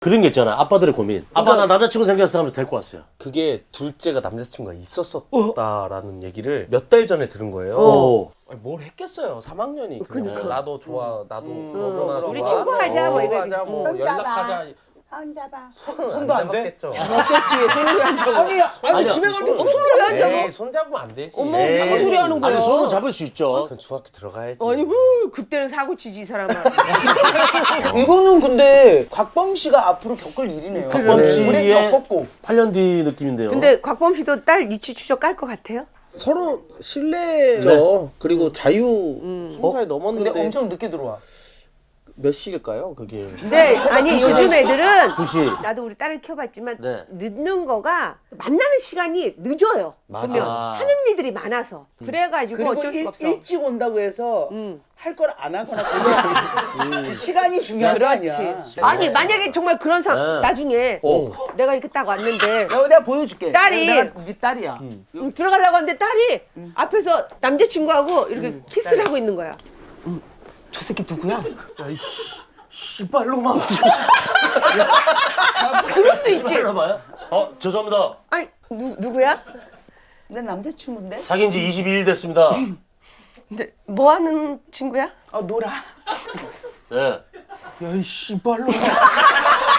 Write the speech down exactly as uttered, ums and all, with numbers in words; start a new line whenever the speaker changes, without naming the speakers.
그런 게 있잖아. 아빠들의 고민. 아빠 나 남자친구 생겼어 하면서 데리고 왔어요.
그게 둘째가 남자친구가 있었었다라는 얘기를 몇 달 전에 들은 거예요.
어.
아니, 뭘 했겠어요. 삼 학년이 그냥
그러니까.
나도 좋아, 나도
음.
너도 나 좋아.
우리 친구하자, 뭐 이거.
친구하자, 뭐
손 잡아.
연락하자.
손 잡아.
손은
손도 안
안
돼?
잡았겠죠.
어떻지? 손을 안 잡아.
아니, 아니
아니야.
집에 갈 때
무슨 소리 안 잡아?
에이, 손 잡으면 안 되지.
어머,
에이.
무슨 소리 하는 거야?
아니 손은 잡을 수 있죠.
전 중학교 들어가야지.
아니, 그 그때는 사고 치지 이 사람아.
이거는 근데 곽범 씨가 앞으로 겪을 일이네요.
곽범
우리
씨의
겪었고
팔 년 뒤 느낌인데요.
근데 곽범 씨도 딸 유치 추적 깔 것 같아요?
서로 신뢰죠. 그리고 자유 스무 살
근데
넘었는데
엄청 늦게 들어와.
몇 시일까요? 그게
네, 아니 요즘 애들은
두 시.
나도 우리 딸을 키워봤지만
네.
늦는 거가 만나는 시간이 늦어요.
맞아.
보면
아.
하는 일들이 많아서 그래가지고
그리고
어쩔
일,
수가 없어.
일찍 온다고 해서
음.
할 걸 안 하거나 그러지 않지. 그 시간이 중요한 거 아니야.
그렇지. 아니 만약에 정말 그런 상
네.
나중에
어.
내가 이렇게 딱 왔는데
내가, 내가 보여줄게.
딸이-
내가 네 딸이야.
음, 들어가려고 하는데 딸이 앞에서 남자친구하고 이렇게 키스를 하고 있는 거야. 음, 저 새끼 누구야?
씨발로만.
그럴 수도 있지.
씨발로만요? 어 죄송합니다.
아니 누, 누구야?
내 남자친구인데?
사귄 지 이십이 일 됐습니다.
근데 뭐 하는 친구야?
어 놀아.
네.
야이 씨발로.